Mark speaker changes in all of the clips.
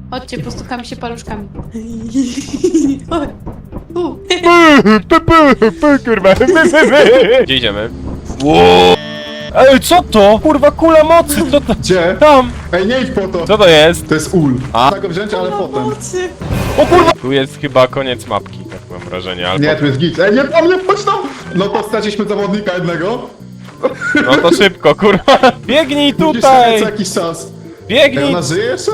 Speaker 1: Chodźcie, postukamy się paluszkami.
Speaker 2: Kurwa. Gdzie idziemy? Ej, co to? Kurwa, kula mocy, co to?
Speaker 3: Gdzie?
Speaker 2: Tam!
Speaker 3: Ej, nie idź po to!
Speaker 2: Co to jest?
Speaker 3: To jest ul.
Speaker 2: A?
Speaker 3: Trzeba go wziąć, ale potem.
Speaker 2: O kurwa! Tu jest chyba koniec mapki, tak mam wrażenie, albo...
Speaker 3: Nie, tu jest git. Ej, nie, tam nie wchodź tam! No to straciliśmy zawodnika jednego.
Speaker 2: No to szybko, kurwa! Biegnij
Speaker 3: Musisz czekać
Speaker 2: tutaj!
Speaker 3: co jakiś czas. Ej,
Speaker 2: Biegnij!
Speaker 3: ona żyje jeszcze?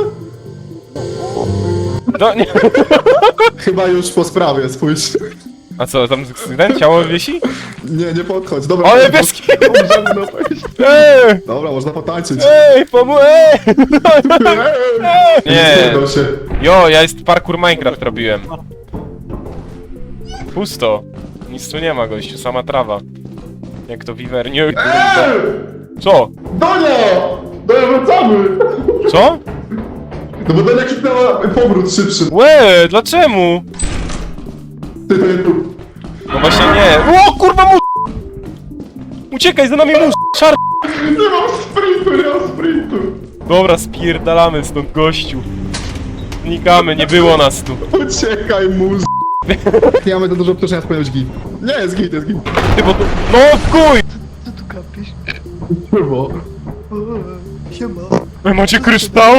Speaker 2: Nie.
Speaker 3: Chyba już po sprawie, spójrz.
Speaker 2: A co, tam ten ciało wisi?
Speaker 3: Nie podchodź. Dobra,
Speaker 2: Ale
Speaker 3: dobra,
Speaker 2: bez
Speaker 3: możemy no wejść.
Speaker 2: Ej!
Speaker 3: Dobra, można potańczyć.
Speaker 2: Ej, pomóż! Ej! Nie!
Speaker 3: Zjadł się.
Speaker 2: Jo, ja jest parkour Minecraft robiłem. Pusto. Nic tu nie ma, gościu, sama trawa. Jak to wiwernie. Co?
Speaker 3: Donia! Donia, wracamy!
Speaker 2: Co?
Speaker 3: No bo Donia kliknęła powrót szybszy.
Speaker 2: Łe, dlaczego?
Speaker 3: Ty, to nie tu.
Speaker 2: No właśnie nie. O kurwa mu! Uciekaj, za nami mus! Szar...
Speaker 3: Nie mam sprintu, nie mam sprintu.
Speaker 2: Dobra, spierdalamy stąd, gościu. Znikamy, nie było nas tu.
Speaker 3: Uciekaj, mus. Nie mamy za dużo obciążenia, powinien być git. Nie, jest git, jest git.
Speaker 2: Ty, bo tu... No w kuj!
Speaker 3: Kurwa.
Speaker 2: Wy macie kryształ?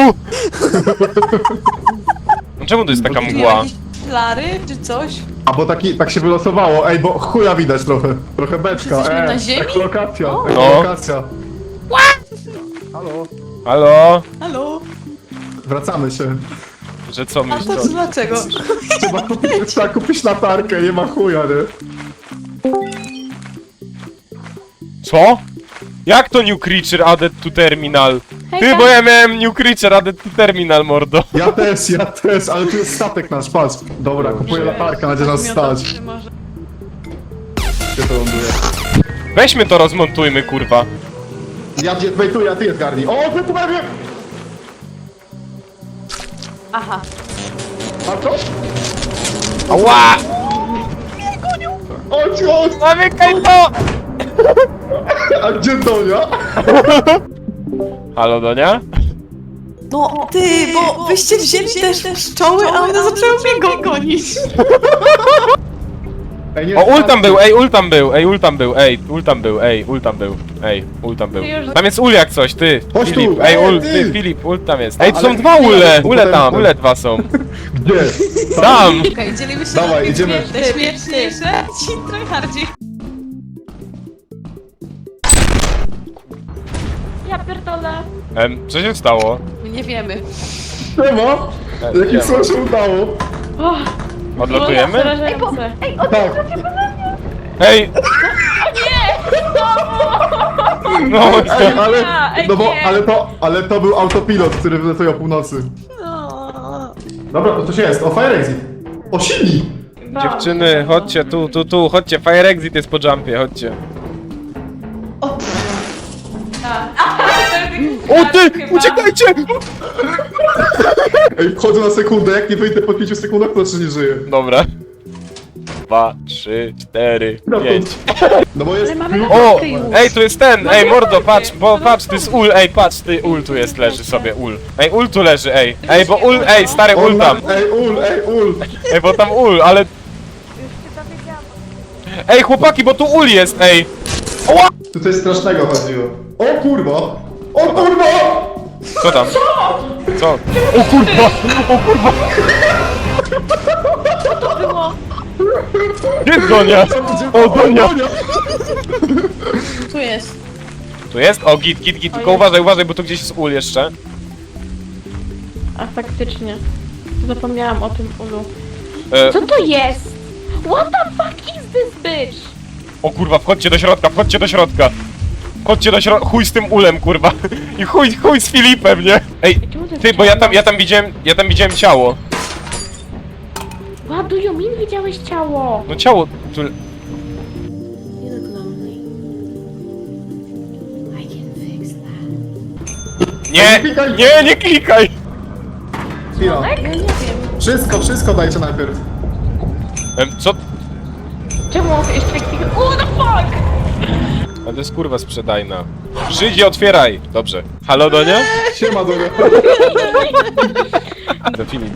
Speaker 2: No czemu to jest taka mgła?
Speaker 1: Jakieś flary czy coś?
Speaker 3: A bo tak się wylosowało, ej, bo chuja widać trochę. Trochę beczka,
Speaker 1: Jesteśmy na ziemi?
Speaker 3: Ekolokacja,
Speaker 1: O.
Speaker 3: ekolokacja. Halo?
Speaker 2: Halo?
Speaker 1: Halo?
Speaker 3: Wracamy się.
Speaker 2: Że co
Speaker 1: A
Speaker 2: myślisz?
Speaker 1: to dlaczego?
Speaker 3: Trzeba kupić latarkę, nie ma chuja, nie?
Speaker 2: Co? Jak to new creature added to terminal? Ty, bo ja miałem new creature added to terminal, mordo.
Speaker 3: Ja też, ale tu jest statek nasz, patrz. Dobra, kupuję latarkę, będzie nas stać. Gdzie to ląduje?
Speaker 2: Weźmy to, rozmontujmy, kurwa.
Speaker 3: Ja gdzie wejtuję, a ty je zgarnij. O, ty tu prawie!
Speaker 1: Aha.
Speaker 3: A co?
Speaker 2: Ała!
Speaker 3: Chodź!
Speaker 2: Zamykaj to!
Speaker 3: A gdzie Donia?
Speaker 2: Halo, Donia?
Speaker 1: No ty, bo wyście wzięli też pszczoły, a one zaczęły mnie gonić.
Speaker 3: Ej, nie,
Speaker 2: O, ul tam był, ej, ul tam był, ej, ul tam był, ej, ul tam był, ej, ul tam był, ej, ul tam był. Tam jest ul jak coś, ty,
Speaker 3: Chodź tu,
Speaker 2: Filip, ej,
Speaker 3: ej,
Speaker 2: ul,
Speaker 3: ty.
Speaker 2: ty, Filip, ul tam jest. Ej, tu
Speaker 3: Ale
Speaker 2: są dwa ule,
Speaker 3: potem-
Speaker 2: ule tam, ule dwa są.
Speaker 3: Gdzie?
Speaker 2: Tam!
Speaker 1: Okej, dzielimy się
Speaker 3: Dawaj,
Speaker 1: na
Speaker 3: idziemy.
Speaker 1: śmieszniejsze, ci tryhardzi.
Speaker 4: Ja pierdolę.
Speaker 2: Co się stało?
Speaker 1: My nie wiemy.
Speaker 3: Nie ma? Jakim
Speaker 2: nie ma.
Speaker 3: co się udało?
Speaker 2: Odlotujemy?
Speaker 4: Przerażające. Ej,
Speaker 3: Tak.
Speaker 2: Ej! No,
Speaker 3: Ej, ale,
Speaker 4: Ej,
Speaker 3: no bo,
Speaker 4: nie.
Speaker 3: ale to był autopilot, który wylatuje o północy.
Speaker 1: No.
Speaker 3: Dobra, to coś jest, o Fire Exit. O, silnik!
Speaker 2: dziewczyny, chodźcie tu, chodźcie, fire exit jest po jumpie, chodźcie. O ty, uciekajcie!
Speaker 3: Ej, wchodzę na sekundę, jak nie wyjdę po 5 sekundach, to jeszcze nie żyję.
Speaker 2: Dobra. 2, 3, 4,
Speaker 3: No to-
Speaker 2: 5.
Speaker 3: No bo jest...
Speaker 2: O! Ej, tu jest ten! Ej, mordo, patrz, bo patrz, tu jest ul, ej, patrz, ty ul tu jest, leży sobie, ul. Ej, ul tu leży, ej. Ej, bo ul, ej, stary ul tam.
Speaker 3: Ej, ul!
Speaker 2: Ej, bo tam ul, ale... Ej, chłopaki, bo tu ul jest, ej!
Speaker 3: Tu coś strasznego chodziło. O kurwa! O kurwa!
Speaker 2: Co tam? Co? O kurwa! O kurwa! Gdzie jest Donia? O, Donia!
Speaker 1: Tu jest.
Speaker 2: Tu jest? O, git, tylko uważaj, bo tu gdzieś jest ul jeszcze.
Speaker 4: A faktycznie. Zapomniałam o tym ulu.
Speaker 2: E,
Speaker 4: Co to jest? What the fuck is this bitch?
Speaker 2: o kurwa, wchodźcie do środka, wchodźcie do środka! Chodźcie do środka, chuj z tym ulem, kurwa. I chuj z Filipem, nie? Ej, ty, bo ja tam widziałem ciało.
Speaker 4: What do you mean widziałeś ciało?
Speaker 2: No ciało, tu...
Speaker 5: You look lonely. I can fix that.
Speaker 2: Nie klikaj!
Speaker 3: Chwila.
Speaker 1: Ja nie wiem.
Speaker 3: Wszystko dajcie najpierw.
Speaker 2: Co?
Speaker 4: Czemu jeszcze kliknął? What the fuck?
Speaker 2: A to jest kurwa sprzedajna. Żydzi, otwieraj! Dobrze. Halo, Donia?
Speaker 3: Siema, Donia.
Speaker 2: Do Filip.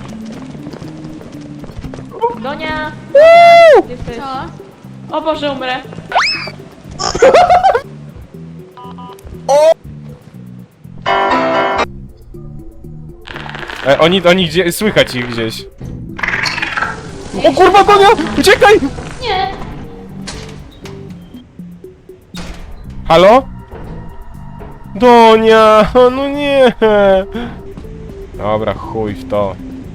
Speaker 4: Donia! Jesteś...
Speaker 1: Co?
Speaker 4: O Boże, umrę.
Speaker 2: Oni gdzie... Słychać ich gdzieś. O kurwa, Donia! Uciekaj!
Speaker 4: Nie!
Speaker 2: Halo? Donia! No nie! Dobra, chuj w to.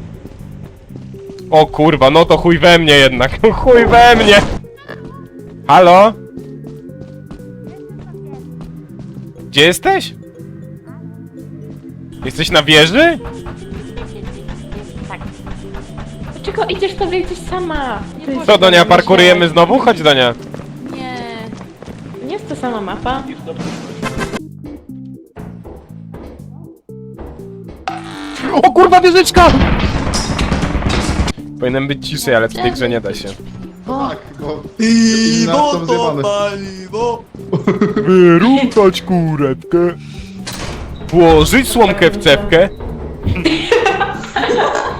Speaker 2: O kurwa, no to chuj we mnie jednak. Chuj we mnie! Halo? Gdzie jesteś? Jesteś na wieży?
Speaker 4: Dlaczego idziesz sobie gdzieś sama? Nie
Speaker 2: Co, Donia, parkurujemy znowu? Chodź, Donia.
Speaker 1: Nie.
Speaker 4: Nie jest to sama mapa.
Speaker 2: O kurwa, wieżyczka! Powinienem być ciszej, ale w tej grze nie da się.
Speaker 3: Tak, bo... Inne są zjebane.
Speaker 2: Wyruchać kurewkę. Włożyć słomkę w cewkę.